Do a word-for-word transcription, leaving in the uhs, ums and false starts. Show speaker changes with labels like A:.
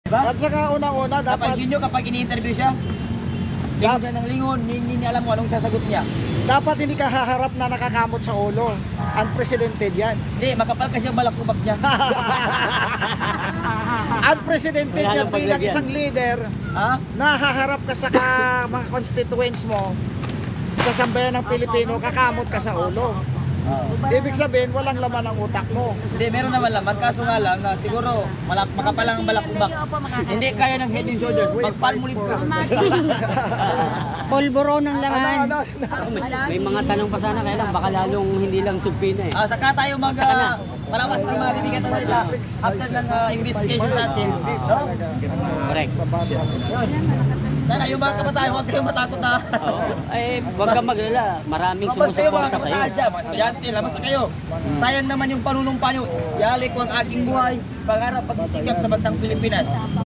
A: Ba?
B: At saka unang-una, dapat,
A: Napansin nyo kapag ini-interview siya, lingon siya ng lingon, hindi niya alam kung anong sasagot niya.
B: dapat hindi ka haharap na nakakamot sa ulo. Unprecedented yan.
A: Hindi, makapal kasi ang balakubak niya.
B: Unprecedented
C: Wala
B: yan
C: nang
B: bilang
C: paglagyan.
B: isang leader
A: Ha?
B: na haharap ka sa ka, mga constituents mo sa sambayan ng Pilipino, kakamot ka sa ulo. Ibig sabihin, walang laman ang utak mo.
A: Hindi, meron naman laman. Kaso nga lang, na siguro, malak makapal ang balakubak. Hindi kaya ng head and shoulders. Pag-palmolive ka.
D: Polboro ng
B: Ano,
D: laman.
B: ano,
C: May, may mga tanong pa sana kaya lang, baka lalong hindi lang subpina eh.
A: Ah, saka tayo mag... Uh, malawas ng mga bibigatan nila. After ng ah, investigation sa atin. No?
C: Correct.
A: Sana yung mga kabataan, huwag kayong matakot na.
C: Oo. Ay, huwag kang maglala. Maraming
A: Basta kayo mga
C: sumusuporta sa'yo.
A: kabataan dyan, mga estudyante, labas na kayo. Sayang naman yung panunumpa nyo. Yalik ko ang aking buhay, pangarap, pagsisikap sa bansang Pilipinas.